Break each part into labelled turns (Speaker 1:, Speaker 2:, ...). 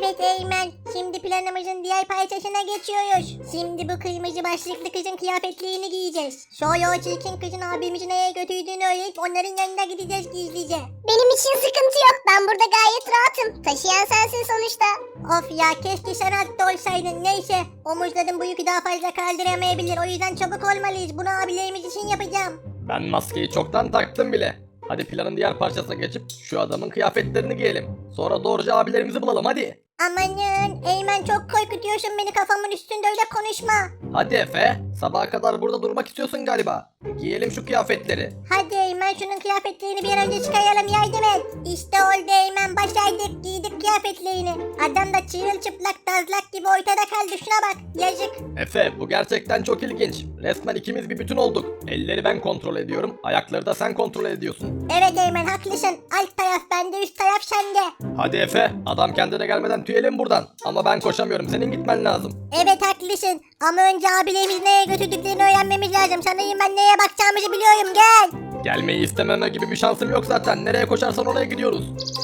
Speaker 1: Evet Eymen, şimdi planımızın diğer parçasına geçiyoruz. Şimdi bu kırmızı başlıklı kızın kıyafetlerini giyeceğiz. Sonra o çirkin kızın abimizi nereye götürdüğünü öğrenip onların yanına gideceğiz gizlice.
Speaker 2: Benim için sıkıntı yok. Ben burada gayet rahatım. Taşıyan sensin sonuçta.
Speaker 1: Of ya, keşke sen hatta olsaydın. Neyse, omuzların bu yükü daha fazla kaldıramayabilir. O yüzden çabuk olmalıyız. Bunu abilerimiz için yapacağım.
Speaker 3: Ben maskeyi çoktan taktım bile. Hadi planın diğer parçasına geçip şu adamın kıyafetlerini giyelim. Sonra doğruca abilerimizi bulalım hadi.
Speaker 1: Amanın, Eymen çok korkutuyorsun beni, kafamın üstünde öyle konuşma.
Speaker 3: Hadi Efe, sabaha kadar burada durmak istiyorsun galiba. Giyelim şu kıyafetleri.
Speaker 1: Hadi Eymen, şunun kıyafetlerini bir an önce çıkaralım, yardım et. İşte oldu Eymen, başardık, giydik kıyafetlerini. Adam da çırılçıplak tazlak gibi ortada kaldı, şuna bak, yazık.
Speaker 3: Efe, bu gerçekten çok ilginç. Resmen ikimiz bir bütün olduk. Elleri ben kontrol ediyorum, ayakları da sen kontrol ediyorsun.
Speaker 1: Evet Eymen, haklısın, alt taraf bende, üst taraf sende.
Speaker 3: Hadi Efe, adam kendine gelmeden tüyelim buradan. Ama ben koşamıyorum, senin gitmen lazım.
Speaker 1: Evet haklısın, ama önce abilerimizi nereye götürdüklerini öğrenmemiz lazım. Sanırım ben neye bakacağımızı biliyorum, gel.
Speaker 3: Gelmeyi istememe gibi bir şansım yok zaten. Nereye koşarsan oraya gidiyoruz.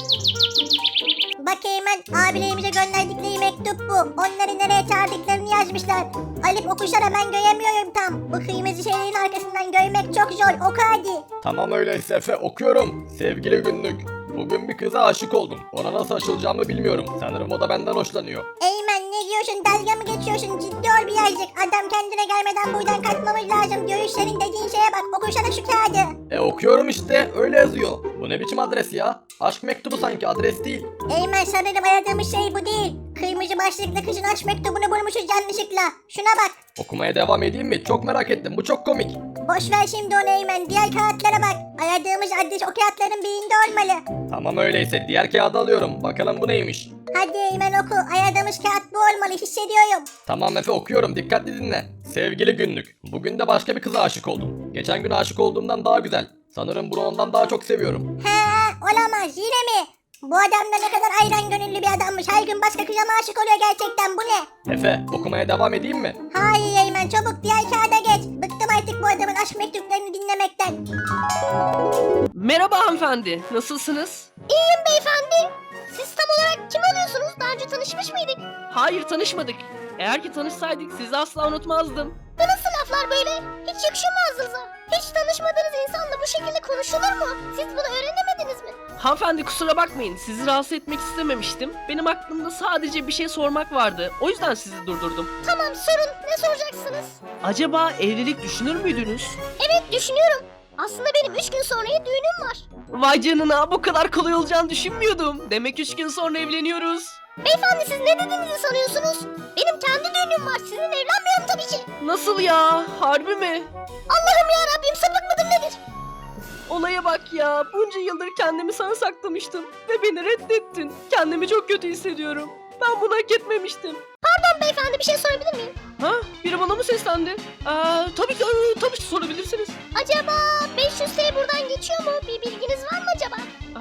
Speaker 1: Bak Eymen, abilerimize gönderdikleri mektup bu. Onları nereye çağırdıklarını yazmışlar. Alıp okusana, ben göremiyorum tam. Bu kırmızı şeylerin arkasından görmek çok zor, oku hadi.
Speaker 3: Tamam öyleyse Efe, okuyorum. Sevgili günlük. Bugün bir kıza aşık oldum. Ona nasıl aşılacağımı bilmiyorum. Sanırım o da benden hoşlanıyor.
Speaker 1: Eymen, ne diyorsun, dalga mı geçiyorsun, ciddi ol birazcık. Adam kendine gelmeden buradan kaçmamız lazım. Görüşlerin dediğin şeye bak, okusana şu kağıdı.
Speaker 3: Okuyorum işte, öyle yazıyor. Bu ne biçim adres ya? Aşk mektubu sanki, adres değil.
Speaker 1: Eymen, sanırım aradığımız şey bu değil. Kırmızı başlıklı kızın aşk mektubunu bulmuşuz yanlışlıkla. Şuna bak.
Speaker 3: Okumaya devam edeyim mi? Çok merak ettim, bu çok komik.
Speaker 1: Boş ver şimdi onu Eymen, diğer kağıtlara bak. Aradığımız adres o kağıtların birinde olmalı.
Speaker 3: Tamam öyleyse, diğer kağıdı alıyorum. Bakalım bu neymiş?
Speaker 1: Hadi Eymen oku, aradığımız kağıt bu olmalı, hissediyorum.
Speaker 3: Tamam Efe, okuyorum, dikkatli dinle. Sevgili günlük. Bugün de başka bir kıza aşık oldum. Geçen gün aşık olduğumdan daha güzel. Sanırım bunu ondan daha çok seviyorum.
Speaker 1: He, olamaz, yine mi? Bu adam da ne kadar ayran gönüllü bir adammış. Her gün başka kıza mı aşık oluyor gerçekten, bu ne?
Speaker 3: Efe, okumaya devam edeyim mi?
Speaker 1: Hayır Eymen, çabuk diğer kağıda geç. Bıktım artık bu adamın aşk mektuplarını dinlemekten.
Speaker 4: Merhaba hanımefendi, nasılsınız?
Speaker 2: İyiyim beyefendi. Siz tam olarak kim oluyorsunuz? Daha önce tanışmış mıydık?
Speaker 4: Hayır, tanışmadık. Eğer ki tanışsaydık sizi asla unutmazdım.
Speaker 2: Bu nasıl laflar böyle? Hiç yakışıyor mu ağzınıza? Hiç tanışmadığınız insanla bu şekilde konuşulur mu? Siz bunu öğrenemediniz mi?
Speaker 4: Hanımefendi kusura bakmayın, sizi rahatsız etmek istememiştim. Benim aklımda sadece bir şey sormak vardı. O yüzden sizi durdurdum.
Speaker 2: Tamam, sorun. Ne soracaksınız?
Speaker 4: Acaba evlilik düşünür müydünüz?
Speaker 2: Evet, düşünüyorum. Aslında benim 3 gün sonraya düğünüm var.
Speaker 4: Vay canına, bu kadar kolay olacağını düşünmüyordum. Demek 3 gün sonra evleniyoruz.
Speaker 2: Beyefendi, siz ne dediğinizi sanıyorsunuz? Benim kendi düğünüm var. Sizin evlenmiyorum tabii ki.
Speaker 4: Nasıl ya? Harbi mi?
Speaker 2: Allah'ım ya Rabbim, sapık mıdır nedir?
Speaker 4: Olaya bak ya. Bunca yıldır kendimi sana saklamıştım. Ve beni reddettin. Kendimi çok kötü hissediyorum. Ben bunu hak etmemiştim.
Speaker 2: Pardon beyefendi, bir şey sorabilir miyim?
Speaker 4: Ha? Biri bana mı seslendi? Tabii ki sorabilirsiniz.
Speaker 2: Acaba 500T buradan geçiyor mu? Bir bilginiz var mı acaba?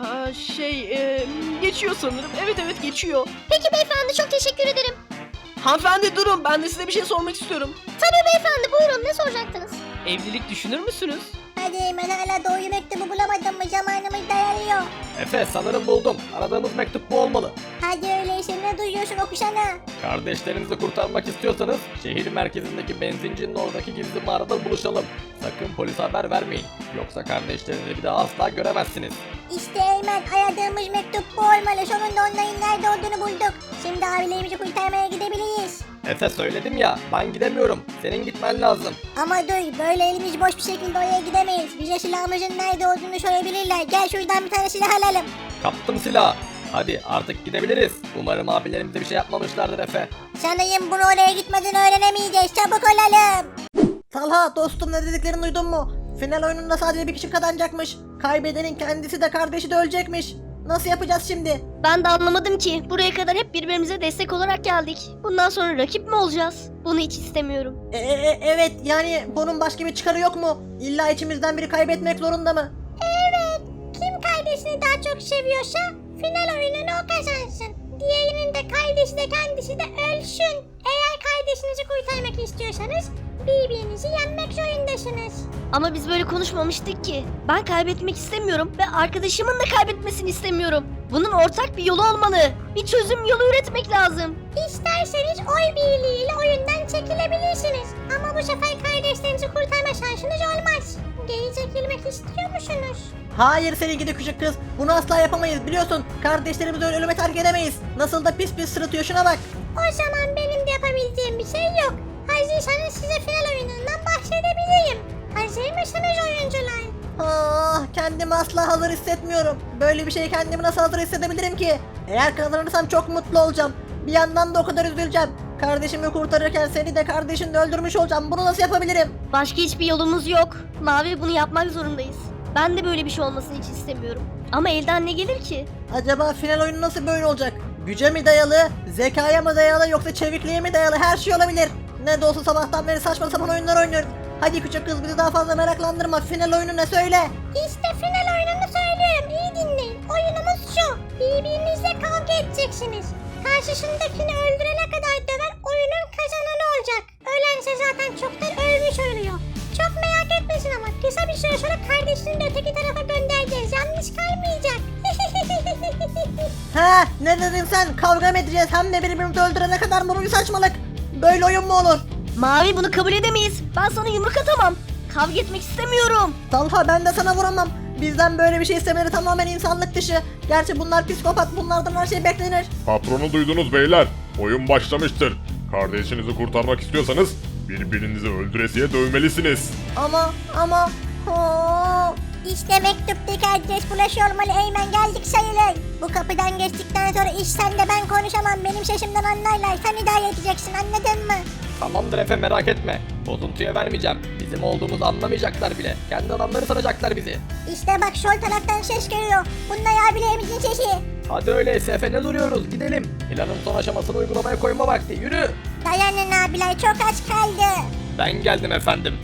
Speaker 4: Geçiyor sanırım. Evet geçiyor.
Speaker 2: Peki beyefendi, çok teşekkür ederim.
Speaker 4: Hanımefendi durun, ben de size bir şey sormak istiyorum.
Speaker 2: Tabii beyefendi, buyurun, ne soracaktınız?
Speaker 4: Evlilik düşünür müsünüz?
Speaker 1: Hadi Eymen, hala doğru mektubu bulamadın mı? Zamanımız dayanıyor.
Speaker 3: Efe, sanırım buldum. Aradığımız mektup bu olmalı.
Speaker 1: Hadi öyleyse, ne duyuyorsun, okusana.
Speaker 3: Kardeşlerinizi kurtarmak istiyorsanız şehir merkezindeki benzincinin oradaki gizli mağarada buluşalım. Sakın polise haber vermeyin. Yoksa kardeşlerinizi bir daha asla göremezsiniz.
Speaker 1: İşte Eymen, aradığımız mektup bu olmalı. Sonunda onların nerede olduğunu bulduk. Şimdi abilerimizi kurtarmaya gidebiliriz.
Speaker 3: Efe, söyledim ya, ben gidemiyorum. Senin gitmen lazım.
Speaker 1: Ama dur, böyle elimiz boş bir şekilde oraya gidemeyiz. Bize silahımızın nerede olduğunu sorabilirler. Gel şuradan bir tane silah alalım.
Speaker 3: Kaptım silahı. Hadi artık gidebiliriz. Umarım abilerimize bir şey yapmamışlardır Efe.
Speaker 1: Sanırım bunu oraya gitmeden öğrenemeyeceğiz. Çabuk olalım.
Speaker 5: Talha dostum, ne dediklerini duydun mu? Final oyununda sadece bir kişi kazanacakmış. Kaybedenin kendisi de kardeşi de ölecekmiş. Nasıl yapacağız şimdi?
Speaker 6: Ben de anlamadım ki. Buraya kadar hep birbirimize destek olarak geldik. Bundan sonra rakip mi olacağız? Bunu hiç istemiyorum.
Speaker 5: Evet, yani bunun başka bir çıkarı yok mu? İlla içimizden biri kaybetmek zorunda mı?
Speaker 1: Evet, kim kardeşini daha çok seviyorsa final oyununu o kazansın. Diğerinin de kardeşi de kendisi de ölsün. Eğer kardeşinizi kurtarmak istiyorsanız birbirinizi yenmek zorundasınız.
Speaker 6: Ama biz böyle konuşmamıştık ki. Ben kaybetmek istemiyorum ve arkadaşımın da kaybetmesini istemiyorum. Bunun ortak bir yolu olmalı. Bir çözüm yolu üretmek lazım.
Speaker 1: İsterseniz oy birliğiyle oyundan çekilebilirsiniz. Ama bu sefer kardeşlerinizi kurtarma şansınız olmaz. Geri çekilmek istiyor musunuz?
Speaker 5: Hayır senin gidi küçük kız. Bunu asla yapamayız biliyorsun. Kardeşlerimizi öyle ölüme terk edemeyiz. Nasıl da pis pis sırıtıyor şuna bak.
Speaker 1: O zaman benim de yapabileceğim bir şey yok. Hazırsanız size final oyunundan bahsedebilirim. Hazır mısınız oyuncular?
Speaker 5: Ah, kendimi asla hazır hissetmiyorum. Böyle bir şey kendimi nasıl hazır hissedebilirim ki? Eğer kazanırsam çok mutlu olacağım. Bir yandan da o kadar üzüleceğim. Kardeşimi kurtarırken seni de kardeşini de öldürmüş olacağım. Bunu nasıl yapabilirim?
Speaker 6: Başka hiçbir yolumuz yok. Mavi, bunu yapmak zorundayız. Ben de böyle bir şey olmasını hiç istemiyorum. Ama elden ne gelir ki?
Speaker 5: Acaba final oyunu nasıl böyle olacak? Güce mi dayalı, zekaya mı dayalı yoksa çevikliğe mi dayalı, her şey olabilir. Ne de olsa sabahtan beri saçma sapan oyunlar oynuyoruz. Hadi küçük kız bizi daha fazla meraklandırma. Final oyunu ne söyle?
Speaker 1: İşte final oyununu söylüyorum. İyi dinleyin. Oyunumuz şu. Birbirinizle kavga edeceksiniz. Karşısındakini öldürene kadar döven oyunun kazananı olacak. Ölense zaten çoktan ölmüş oluyor. Çok merak etmesin ama kısa bir süre sonra kardeşini de öteki tarafa göndereceğiz. Yanlış kalmayacak.
Speaker 5: He, ne dedin sen? Kavga mı edeceğiz hem de birbirimizi öldürene kadar mı, bu bir saçmalık? Böyle oyun mu olur?
Speaker 6: Mavi, bunu kabul edemeyiz. Ben sana yumruk atamam. Kavga etmek istemiyorum.
Speaker 5: Talha, ben de sana vuramam. Bizden böyle bir şey istemeleri tamamen insanlık dışı. Gerçi bunlar psikopat, bunlardan her şey beklenir.
Speaker 7: Patronu duydunuz beyler. Oyun başlamıştır. Kardeşinizi kurtarmak istiyorsanız birbirinizi öldüresiye dövmelisiniz.
Speaker 5: Ama Aa,
Speaker 1: İşte mektuptaki adres bulaşı olmalı. Eymen, geldik sayılır. Bu kapıdan geçtikten sonra iş sende, ben konuşamam. Benim sesimden anlarlar. Sen idare edeceksin, anladın mı?
Speaker 3: Tamamdır Efe, merak etme. Bozuntuya vermeyeceğim. Bizim olduğumuzu anlamayacaklar bile. Kendi adamları sanacaklar bizi.
Speaker 1: İşte bak, sol taraftan ses geliyor. Bunlar abilerimizin sesi.
Speaker 3: Hadi öyleyse Efe, ne duruyoruz, gidelim. Planın son aşamasını uygulamaya koyma vakti, yürü.
Speaker 1: Dayanın abiler, çok az kaldı.
Speaker 3: Ben geldim efendim.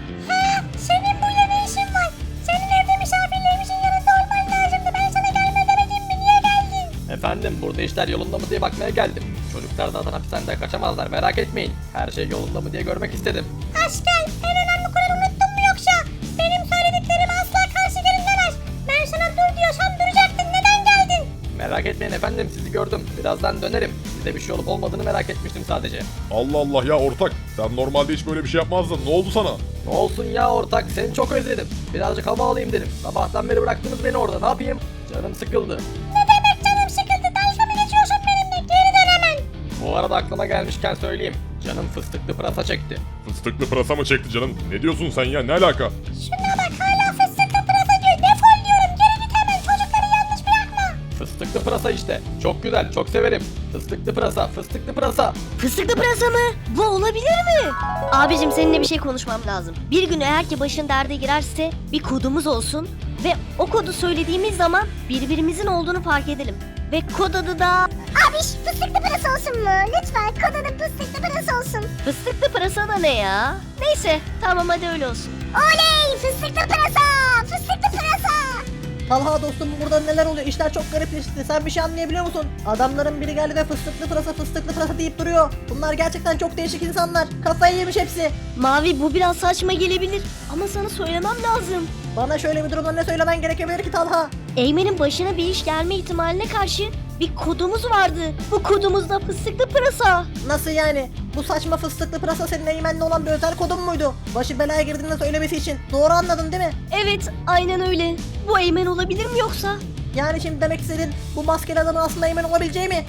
Speaker 1: Ha, senin burada ne işin var? Senin evde misafirlerimizin yanında olman lazımdı. Ben sana gelme demedim mi? Niye geldin?
Speaker 3: Efendim, burada işler yolunda mı diye bakmaya geldim. Çocuklar zaten hapishaneden kaçamazlar, merak etmeyin. Her şey yolunda mı diye görmek istedim.
Speaker 1: Asker, en önemli kuralı unuttun mu yoksa? Benim söylediklerimi asla karşı gelinlemez. Ben sana dur diyorsam duracaktın. Neden geldin?
Speaker 3: Merak etmeyin efendim, sizi gördüm. Birazdan dönerim. Size bir şey olup olmadığını merak etmiştim sadece.
Speaker 7: Allah Allah ya ortak. Sen normalde hiç böyle bir şey yapmazdın. Ne oldu sana?
Speaker 3: Ne olsun ya ortak, seni çok özledim. Birazcık hava alayım dedim. Sabahtan beri bıraktınız beni orada, ne yapayım? Canım sıkıldı.
Speaker 1: Ne demek canım sıkıldı? Dalga mı geçiyorsun benimle? Geri dön hemen.
Speaker 3: Bu arada aklıma gelmişken söyleyeyim. Canım fıstıklı pırasa çekti.
Speaker 7: Fıstıklı pırasa mı çekti canım? Ne diyorsun sen ya? Ne alaka?
Speaker 1: Şuna bak, hala fıstıklı pırasa diyor. Defol diyorum. Geri git hemen. Çocukları yalnız bırakma.
Speaker 3: Fıstıklı pırasa işte. Çok güzel, çok severim. Fıstıklı pırasa, fıstıklı pırasa.
Speaker 6: Fıstıklı pırasa mı? Bu olabilir mi? Abicim, seninle bir şey konuşmam lazım. Bir gün eğer ki başın derde girerse bir kodumuz olsun ve o kodu söylediğimiz zaman birbirimizin olduğunu fark edelim. Ve kod adı da
Speaker 1: Abi fıstıklı pırasa olsun mu? Lütfen kod adı fıstıklı pırasa olsun.
Speaker 6: fıstıklı pırasa da ne ya? Neyse, tamam, hadi öyle olsun.
Speaker 1: Oley! Fıstıklı pırasa! Fıstıklı pırasa!
Speaker 5: Talha dostum, burada neler oluyor? İşler çok garipleşti. Sen bir şey anlayabiliyor musun? Adamların biri geldi ve fıstıklı pırasa deyip duruyor. Bunlar gerçekten çok değişik insanlar. Kafayı yemiş hepsi.
Speaker 6: Mavi, bu biraz saçma gelebilir ama sana söylemem lazım.
Speaker 5: Bana şöyle bir durumda ne söylemen gerekebilir ki Talha?
Speaker 6: Eymen'in başına bir iş gelme ihtimaline karşı bir kodumuz vardı. Bu kodumuz da fıstıklı pırasa.
Speaker 5: Nasıl yani? Bu saçma fıstıklı pırasa senin Eymen'le olan bir özel kodun muydu? Başı belaya girdiğinde söylemesi için. Doğru anladın değil mi?
Speaker 6: Evet, aynen öyle. Bu Eymen olabilir mi yoksa?
Speaker 5: Yani şimdi demek istedin bu maskeli adamın aslında Eymen olabileceği mi?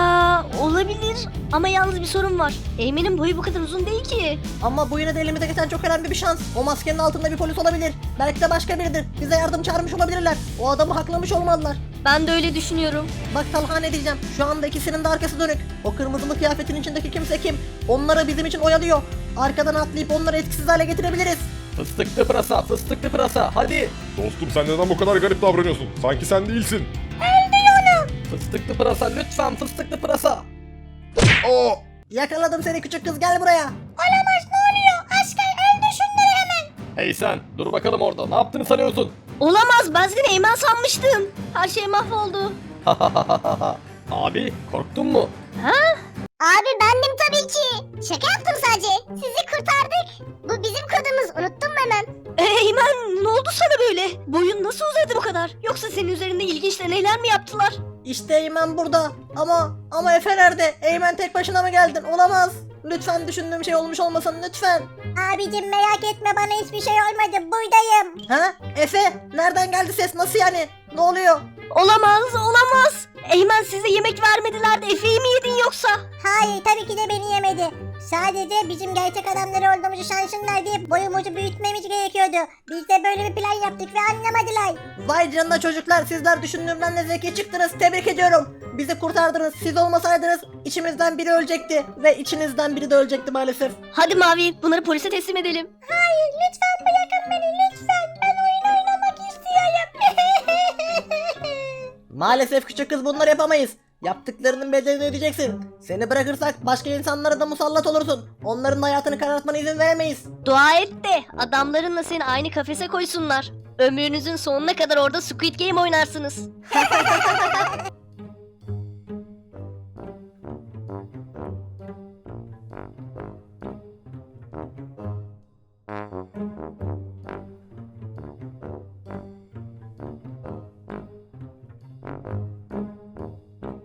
Speaker 6: Olabilir ama yalnız bir sorun var. Eymen'in boyu bu kadar uzun değil ki.
Speaker 5: Ama bu yine de elimize geçen çok önemli bir şans. O maskenin altında bir polis olabilir. Belki de başka biridir. Bize yardım çağırmış olabilirler. O adamı haklamış olmalılar.
Speaker 6: Ben de öyle düşünüyorum.
Speaker 5: Bak Talha, ne diyeceğim? Şu anda ikisinin de arkası dönük. O kırmızılı kıyafetin içindeki kimse kim? Onları bizim için oyalıyor. Arkadan atlayıp onları etkisiz hale getirebiliriz.
Speaker 3: Fıstıklı pırasa, fıstıklı pırasa, hadi.
Speaker 7: Dostum sen neden bu kadar garip davranıyorsun? Sanki sen değilsin.
Speaker 3: Fıstıklı pırasa, lütfen fıstıklı pırasa.
Speaker 7: Aa!
Speaker 5: Yakaladım seni küçük kız, gel buraya.
Speaker 1: Olamaz, ne oluyor? Asker, öldür şunları hemen.
Speaker 3: Hey sen, dur bakalım orada, ne yaptığını sanıyorsun?
Speaker 6: Olamaz, ben seni Eymen sanmıştım. Her şey mahvoldu.
Speaker 3: Abi, korktun mu?
Speaker 1: Abi bendim tabii ki. Şaka yaptım sadece. Sizi kurtardık. Bu bizim kodumuz. Unuttun mu hemen?
Speaker 6: Eymen ne oldu sana böyle? Boyun nasıl uzadı bu kadar? Yoksa senin üzerinde ilginç deneyler mi yaptılar?
Speaker 5: İşte Eymen burada. Ama Efe nerede? Eymen tek başına mı geldin? Olamaz. Lütfen düşündüğüm şey olmuş olmasın lütfen.
Speaker 1: Abicim merak etme, bana hiçbir şey olmadı, buradayım.
Speaker 5: Ha? Efe nereden geldi ses? Nasıl yani? Ne oluyor?
Speaker 6: Olamaz. Eymen size yemek vermediler de Efe'yi mi yedin yoksa?
Speaker 1: Hayır, tabii ki de beni yemedi. Sadece bizim gerçek adamları olduğumuzu şansınlar diye boyumuzu büyütmemiz gerekiyordu. Biz de böyle bir plan yaptık ve anlamadılar.
Speaker 5: Vay canına çocuklar, sizler düşündüğümden de zeki çıktınız. Tebrik ediyorum. Bizi kurtardınız. Siz olmasaydınız içimizden biri ölecekti ve içinizden biri de ölecekti maalesef.
Speaker 6: Hadi Mavi bunları polise teslim edelim.
Speaker 1: Hayır, lütfen bırakın beni, lütfen. Ben oyun oynamak istiyorum.
Speaker 5: Maalesef küçük kız, bunları yapamayız. Yaptıklarının bedelini ödeyeceksin. Seni bırakırsak başka insanlara da musallat olursun. Onların hayatını karartmana izin veremeyiz.
Speaker 6: Dua et de adamlarınla seni aynı kafese koysunlar. Ömrünüzün sonuna kadar orada Squid Game oynarsınız.